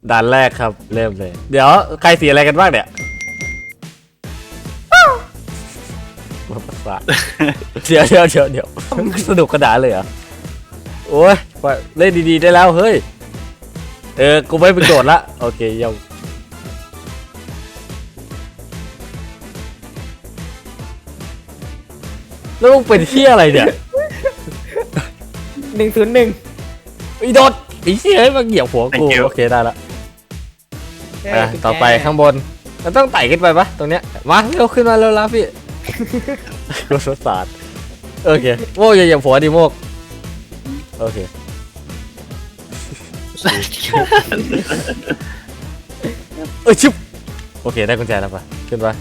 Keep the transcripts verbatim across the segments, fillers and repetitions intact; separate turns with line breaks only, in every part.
ด่านแรกครับเริ่มเลยเดี๋ยวใครสีอะไรกันบ้างเนี่ยประสาทเดี๋ยวเดี๋ยวเดี๋ยวเดี๋ยวสนุกกระดาษเลยเหรอโอ้ยเล่นดีๆได้แล้วเฮ้ยเออกูไม่เป็นโจทย์ละโอเคยังแล้วมึงเป็นเที่ยอะไรเนี่ย
หนึ่งศูนย์หนึ่ง
ไอ้โดดไอ้เที่ยให้มาเหยียบหัวกูโอเคได้ละอ่ะต่อไปข้างบนเราต้องไต่ขึ้นไปปะตรงเนี้ยมาเร็วขึ้นมาเร็วแล้วพี่กูสงสารโอเคโม่อย่าเหยียบหัวดิโมกโอเคเอ้ยชิบโอเคได้กุญแจแล้วปะขึ้นไป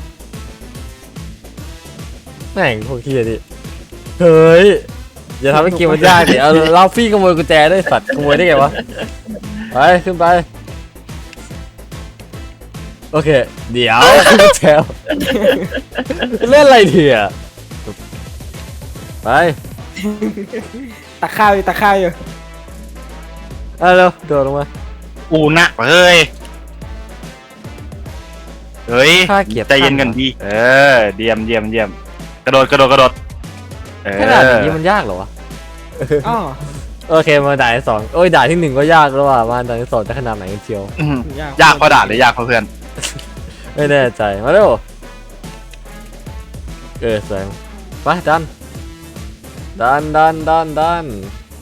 แม่งพวกเฮียดิเฮ้ยอย่าทำให้เกมมันยากดิเอาเราฟี่ขโมยกุญแจได้สัตว์ขโมยได้ไงวะไปขึ้นไปโอเคเดี๋ยวกุญแจเล่นอะไรเถียไป
ตักข้าวอยู่ตักข้าวอยู่
เอาเร็วโดดลงมา
อูนะเฮ้ยเฮ้ย
ข้าเกียรติ
ใจเย็นกันดีเออเดียมเดียมเดียมกระโดดกระโดดกระโดดเออ
ขนาดนี้มันยากเหรอวะ
อ๋อ
โอเคมาด่านที่สองโอ้ยด่านที่หนึ่งก็ยากแล้วว่ะมาด่านที่สองจะขนาดไหนกันเชียว
อื้อหือยากเพราะด่าหรือยากเพราะเพื่อน
ไม่แน่ใจมาเร็วเออสวยไปดันดันดันดันดัน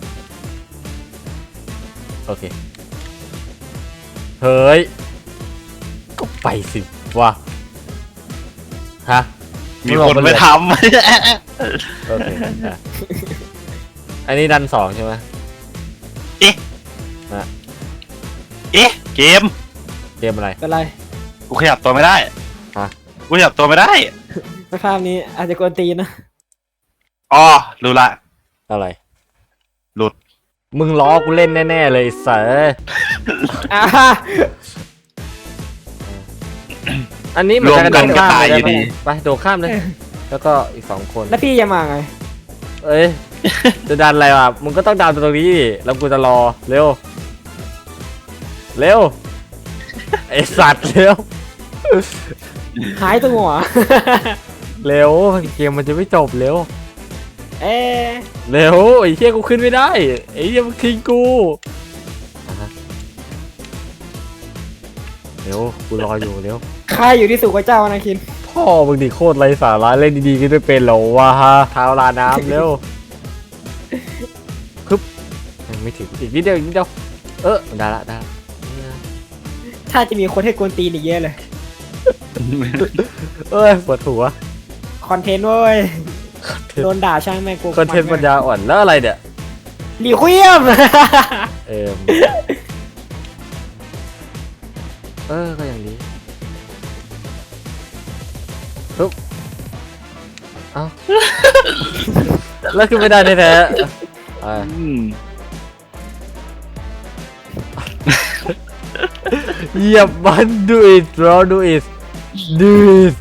โอเคเฮ้ยก็ไปสิวะฮะ
มีคนไปท
โอเคอ่ะอันนี้ดันสองใช่ไหม
ำ เอ๊ะ
นะ
เอ๊ะเกม
เกมอะไร
เป็นไร
กูขยับตัวไม่ได้
ฮะ
กูขยับตัวไม่ได้
สภาพนี้อาจจะกวนตีนนะ
อ๋อรู้ละ
อะไร
หลุด
มึงล้อกูเล่นแน่ๆเลยเสอ
อ่า
อันนี้มัน
รวม
จะ
กัน
โดด
ก็
ข้าม
ตาย
ไป
อยู่
ได้
ดี
ไหมไปโดดข้ามเลย แล้วก็อีกสองคน
แล้วพี่จะมาไง
เอ้ย จะดันอะไรวะมึงก็ต้องดันตรงนี้ดิแล้วกูจะรอ เร็ว เร็ว ไอสัตว์เร็ว
หายตัวหัว
เร็ว เกมมันจะไม่จบเร็ว
เอ๊ะ
เร็ว ไอ้เหี้ยกูขึ้นไม่ได้ ไอ้เหี้ยมึงทิ้งกูอ่ะฮะเร็ว กูรออยู่เร็ว
ใครอยู่ที่สุขเจ้านะคิน
พ่อมึงดิโคตรไร้สาระเล่นดีๆก็ไม่เป็นหรอวะฮะเท้าลาน้ำเร็วคึบยังไม่ถึงอีกนิดเดียวอีกนิดเดียวเออได้ละได้ละ
ถ้าจะมีคนให้กวนตีนอีกเยอะเลย
เอ้ยปวดหัว
คอนเทนต์เว้ย โดนด่าช่างแม่งกู
คอนเทนต์ปัญญาอ่อนแล้วอะไรเนี่ย
หลีเควียม
เออเออก็อย่างนี้ปึ๊บเอ้าแล้วขึ้นไม่ได้แท้ๆอ่ะ
อืม
เหยียบมัน do it bro do it do it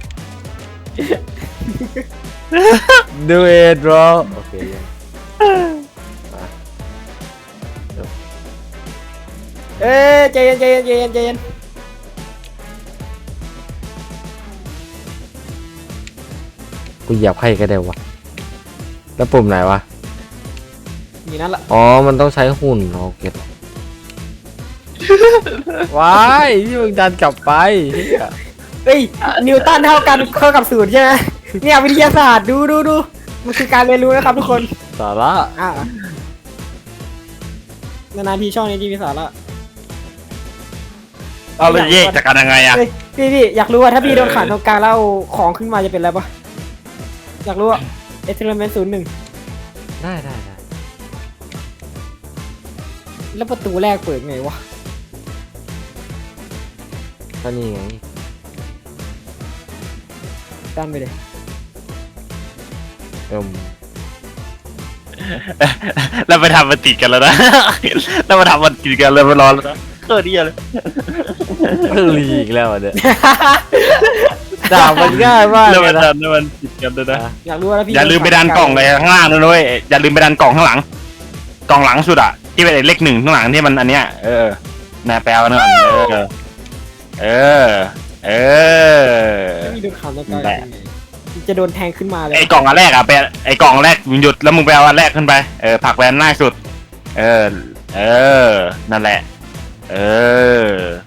do it bro โอเคยัง
เอ้ยใจเย็นใจเย็นใจเย็นใจเย็น
กูเหยียบให้ก็ได้วะแล้วปุ่มไหนวะ
นี่นั่นละ
อ๋อมันต้องใช้หุ่นโอเคว้ายที่มึงดันกลับไปเหี้ย
เฮ้ยนิวตันเท่ากันเข้ากับสูตรใช่ไหมเนี่ยวิทยาศาสตร์ดูดูดูมันคือการเรียนรู้นะครับทุกคน
สาระ
อ่ะนานๆทีช่องนี้ที่มีสาระ
เอาเลยแยกจากกันยังไงอะ
เฮ้ยพี่พี่อยากรู้ว่าถ้าพี่โดนขังตรงกลางแล้วเอาของขึ้นมาจะเป็นอะไรปะอยากรู้ว่าเอ็กซ์เทอร์เมนต์ศูนย์หนึ่ง
ได้ได้ได้
แล้วประตูแรกเปิดไงวะ
ก็นี่ไง
ดันไปเลย
เอ็ม
แล้วไปทำมันติดกันแล้วนะ แล้วมาทำมันติดกันเลยมารอแล้วนะเออดีเลย
เพิ่งรีอีกแล้วอ่ะเนี่ยด่ามันง่ายมาก
แล้ว
เล
มั
ย
น
นะ
ดันแล้วมันติดกันเลยนะ
อยากรู้ว่าถ้าพี่
อย่าลืมไปดันกล่องเลยข้างล่างด้วย อย่าลืมไปดันกล่องข้างหลัง กล่องหลังสุดอะที่เป็นเลขหนึ่งข้างหลังที่มันอันเนี้ยเออนายแปลกันก่อนเออเออเออ
ถ้าพี่โดนขังตรงกลาง
แหละ
ยังไงจะโดนแทงขึ้นมาเลย
ไอ้กล่องอันแรกอะไปไอ้กล่องแรกมึงหยุดแล้วมึงไปเอาอันแรกขึ้นไปเออผลักแวนหน้าสุดเออเออนั่นแหละเออ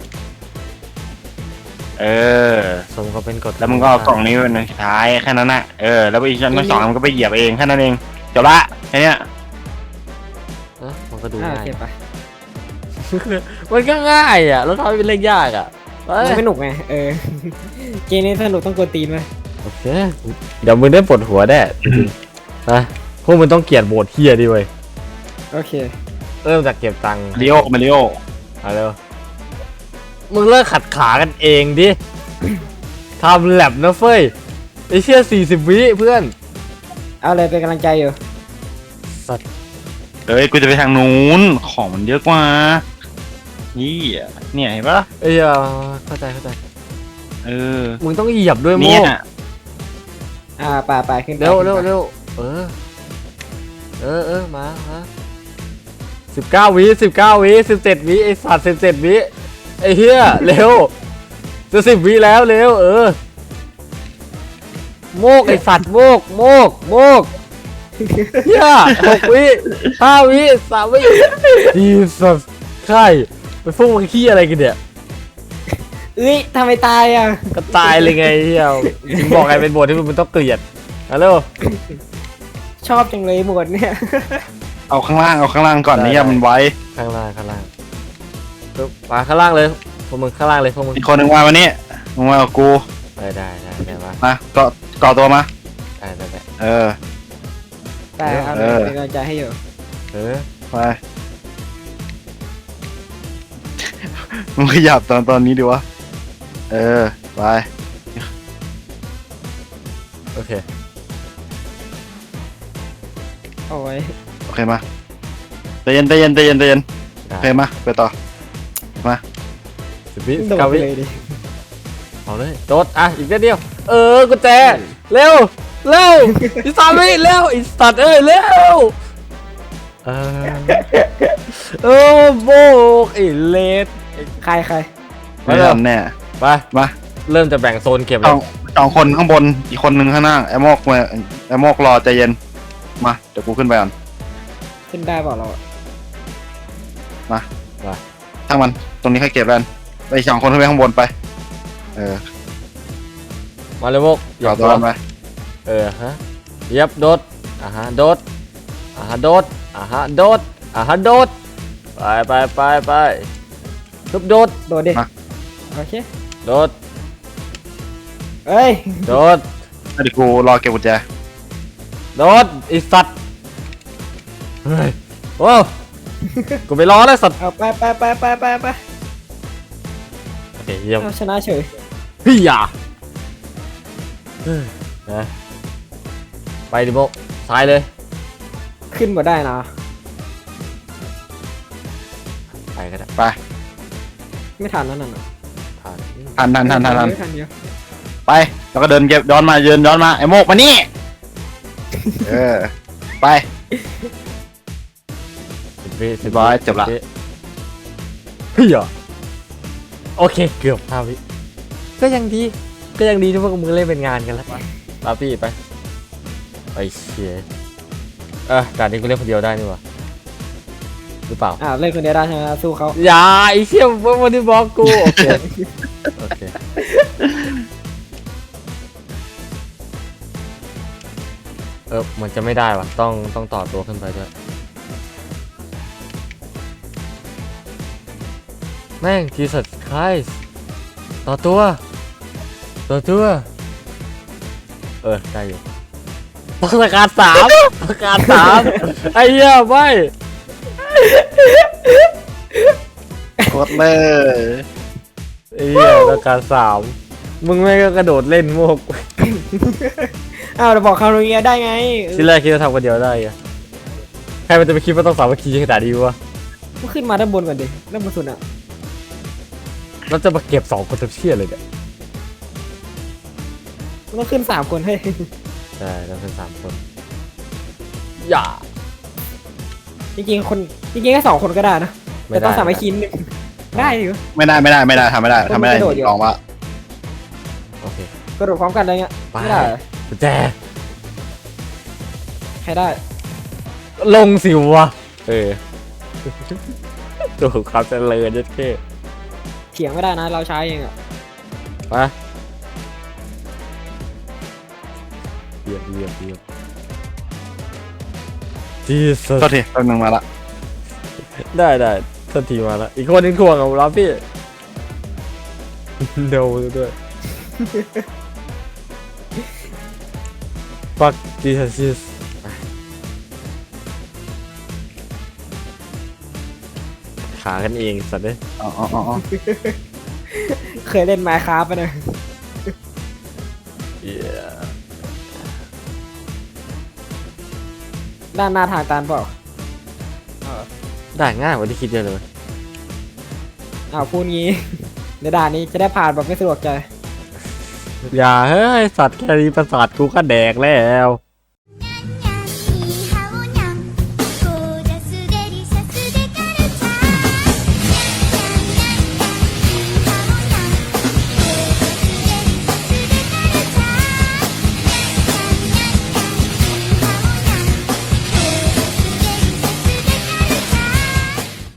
เออ
สมก็เป็นกฎ
แล้วมึงก็เอากล่องนี้เป็นอันสุดท้ายแค่นั้นนะเออแล้วอีกชั้นที่สองมันก็ไปเหยียบเองแค่นั้นเองจบละแค่เนี้ย
เอ้อมันก็ดู
อ่าโอ
ง่าย
เคไป
มันก็ง่ายอ่ะแล้วทำให้เป็นเรื่องยากอ่ะเอ้ย
มันไม่หนุกไงเออเกมนี้สนุกต้องกวนตีนไหม
โอเคเดี๋ยวมึงได้ปวดหัวแน่จริงๆนะพวกมึงต้องเกลียดโบดเฮียดิเว้ย
โอเค
เริ่มจากเก็บตังค์
มาริโอมาริโอ
เอาเร็วมึงเลิกขัดขากันเองดิทำแลบนะเฟ้ยไอเชี่ยสี่สิบวิเพื่อน
เอาเลยเป็นกำลังใจอยู่
สัตว์
เอ้ยกูจะไปทางนู้นของมันเยอะกว่านี่อ่ะเนี่ยเห็นปะ
เอ้ยเอาเข้าใจเข้าใจ
เออ
มึงต้องเหยียบด้วยโม
เนี่ย
ก
อ่าป่าป่าขึ้นไป
เร็วเร็ว
ขึ้นไป
เร็วเออเออเออมามาสิบเก้าวิสิบเก้าวิสิบเจ็ดวิไอสัตว์สิบเจ็ดวิไอเฮียเร็วจะสิบวิแล้วเร็วเออโมกไอสัตว์โมกโมกโมกเฮียหกวิห้าวิสามวิดีสัสใช่ไปฟุ้งมันขี้อะไรกันเนี่ย
เอ้ยทำไมตายอ่ะ
ก็ตายเลยไงเฮียถึงบอกไงเป็นบทที่มึงต้องเกลียดฮัลโหล
ชอบจังเลยหมดเนี่ย
เอาข้างล่างเอาข้างล่างก่อน
ได้
เนี่ย
ได้
มันไว้
ข้างล่างข้างล่างปึ๊บมาข้างล่างเลยพวกมึงข้างล่างเลยพวกมึง
อีกคนหนึ่งมาวันนี้มึงมากับกู
ได้ได้ได้ได้มา
มาก็ก่อตัวมา
ได้ได้ได้
เออ
แต่เอาเล
เอย อ
เป็นกำลังใจให้อยู่
เออ
ไปมึงขยับตอนตอนนี้ดีวะเออไป
โอเค
เอาไว้
โอเคมาใจเย็นใจเย็นใจเย็นใจเย็นโอเค
ได้
มาไปต่อ
สิบวิสิ
โด
บ
ด
เก้า
ไป
วิ
เลยดิ
เอาเลยโดดอ่ะอีกนิดเดียวเออกุญแจเร็วเร็วอีกสามวิเร็วอีสัตว์เอ้ยเร็วเออเออโบกไอ้เลด
ใครใคร
ไม่ทันแน่
ไป
มา
เริ่มจะแบ่งโซนเก็บ
ส
แล้
อ
ว
งสองคนข้างบนอีกคนหนึ่งข้างล่างไอ้โมกมาไอ้โมกรอใจเย็นมาเดี๋ยวกูขึ้นไปก่อน
ขึ้นได้เปล่าเราอะ
ทั้งมันตรงนี้ค่อยเก็บแล้วกันไปอีกสองคนขึ้นไปข้างบนไปเออ
มาเลยโมก
ก่อตัวกันไป
เออฮะเย็บโดดอ่าฮะโดดอ่าฮะโดดอ่าฮะโดดอ่าฮะโดดไปไปไปไปทุบโดด
โดดดิโอเค
โดด
เอ้ย
โดด
เดี๋ยวกูรอเก็บกุญแจ
โดดไอสัตว์เฮ้ยโอ้กูไปรอแล้วสัตว์
เอาไปไปไปไปไปไป
โอเคเยี่ยม
เอาชนะเฉย
พี่อย่าเฮ้ยนะไปดิโมกซ้ายเลย
ขึ้นมาได้นะ
ไปก็ได้
ไป
ไม่ทันแล้วนั่นน่ะ
ผ่าน
ทันทันทันทันทัน
ไม่ทันเดียว
ไปแล้วก็เดินเก็บย้อนมาเดินย้อนมาไอ้โมกมานี่เออไป
สิบวิสิบ
ร้อยจบละ
วิพี่อย่าโอเคเกือบห้าวิก็ยังดีก็ยังดีที่พวกมึงเล่นเป็นงานกันแล้วลาพี่ไปไปเชียเออด่านนี้กูเล่นคนเดียวได้นี่หวะหรือเปล่า
อ่าเล่นคนเดียวได้ใช่ไหมสู้เขา
อย่าไอ้เชี่ยพวกมันที่บอกกูโอเคโอเคเออมันจะไม่ได้ว่ะต้องต้องต่อตัวขึ้นไปด้วยแม่ง Jesus Christ ต่อตัวต่อตัวเออได้อยู่ประกาศสามประกาศสามไอ้เหี้ยไม่
กดเลย
ไอ้เหี้ยประกาศสามมึงไม่งก็กระโดดเล่นโมก
อ้าวเราบอกคาโรเนียได้ไง
ทีแรกคิดว่าทำคนเดียวได้อะใครมันจะไปคิดว่าต้องสามัคคีขนาดนี้วะ
ก็ขึ้นมาด้านบนก่อนดิด้านบนสุดอ่ะ
เราจะมาเก็บสองคนทับเชี่ยเลยเนี่ย
มันต้องขึ้นสามคนให้
ใช่เราเป็นสามคนอย่า
จริงๆคนจริงๆแค่สองคนก็ได้นะ
ไม่
แต่
ได้
ต้องสามไอคินหนึ่งได้ดิวะ
ไม่ได้ไม่ได้ไม่ได้ทำไม่ได้ทำไม่ได้
กระโดดอยู่
ลองว่า
โอเค
กระโดดพร้อมกันอะไรเงี้ย
ไป
ไม่ได้เหรอ
กุญแจ
ใครได้
ลงสิวะเออดูความเจริญยัดเข้
เถียงไม่ได้นะเราใช้เองอ่ะ
ไปเหยียบเหยียบเหยียบจีส
โทษทีแป๊บนึงมาละ
ได้ได้ทันทีมาแล้วอีกคนหนึงถ่วงกับเราพี่ เดาด้วย ฟักจีซัสขากันเองสัตว์เลย
อ๋ออ๋ออ๋อ
เคยเล่นไมค์คราฟปะเนี่ย
เหี้ย
ด้านหน้าทางตันเปล่า
ได้ง่ายกว่าที่คิดเยอะเลย
อ้าวพูดงี้ ในด่านนี้จะได้ผ่านแบบไม่สะดวกใจ
อย่าเฮ้ยสัตว์แค่นี้ประสาทกูก็แดกแล้ว